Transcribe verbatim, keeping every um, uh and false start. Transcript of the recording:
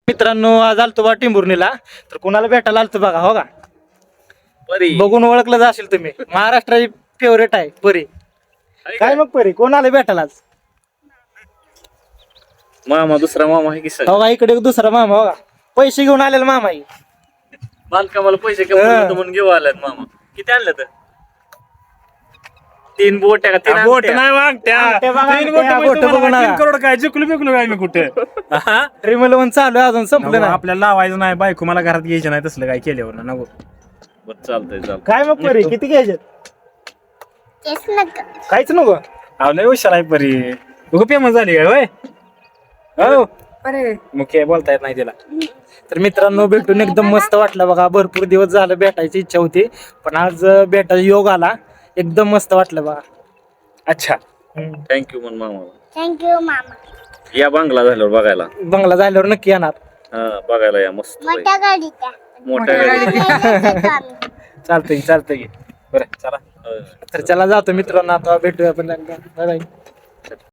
मित्रांनो आज आलतो बा टिंबुर्णीला तर कोणाला भेटायला आलतो बघा हो का परी बघून ओळखलं जाशील तुम्ही महाराष्ट्राची फेवरेट आहे परी. काय मग परी कोणाला भेटायला आज मामा दुसरा मामा आहे की सर हो का इकडे एक दुसरा मामा हो का पैसे घेऊन आलेला मामा आहे. बांधकामाला पैसे कमी म्हणून घेऊ आलात मामा. किती आणलं तर तीन बोट का तीन बोट अंगठ्या? नाही वागत्या अंगठ्या बघा, तीन अंगठ्या, बोट बोट तुम्हाला बघू नका. तीन करोड काय जिंकलो बिकलो काय मी कुठे हा? रिमल वन चालू आहे अजून संपलं नाही. आपल्याला लावायचं नाही बायको मला घरात घ्यायचं नाही तसलं काय केल्यावर ना नको. बरं चालतंय चालतंय. काय मग परी किती घ्यायचे काहीच नको. अहो लय हुशार आहे परी तू फेमस झाली काय होय हो मुख्य बोलता येत नाही तिला. तर मित्रांनो भेटून एकदम मस्त वाटलं बघा. भरपूर दिवस झालं भेटायची इच्छा होती पण आज भेटायचा योग आला. एकदम मस्त वाटलं बघा. अच्छा थँक्यू म्हण मामा. थँक्यू मामा. या बांगला झाल्यावर बघायला. बंगला झाल्यावर नक्की येणार. हा बघायला या मस्त मोठ्या गाडीच्या मोठ्या गाडी. चालतंय चालतंय बरं चला होय. तर चला जातो मित्रांनो आता भेटूया आपण. Bye bye.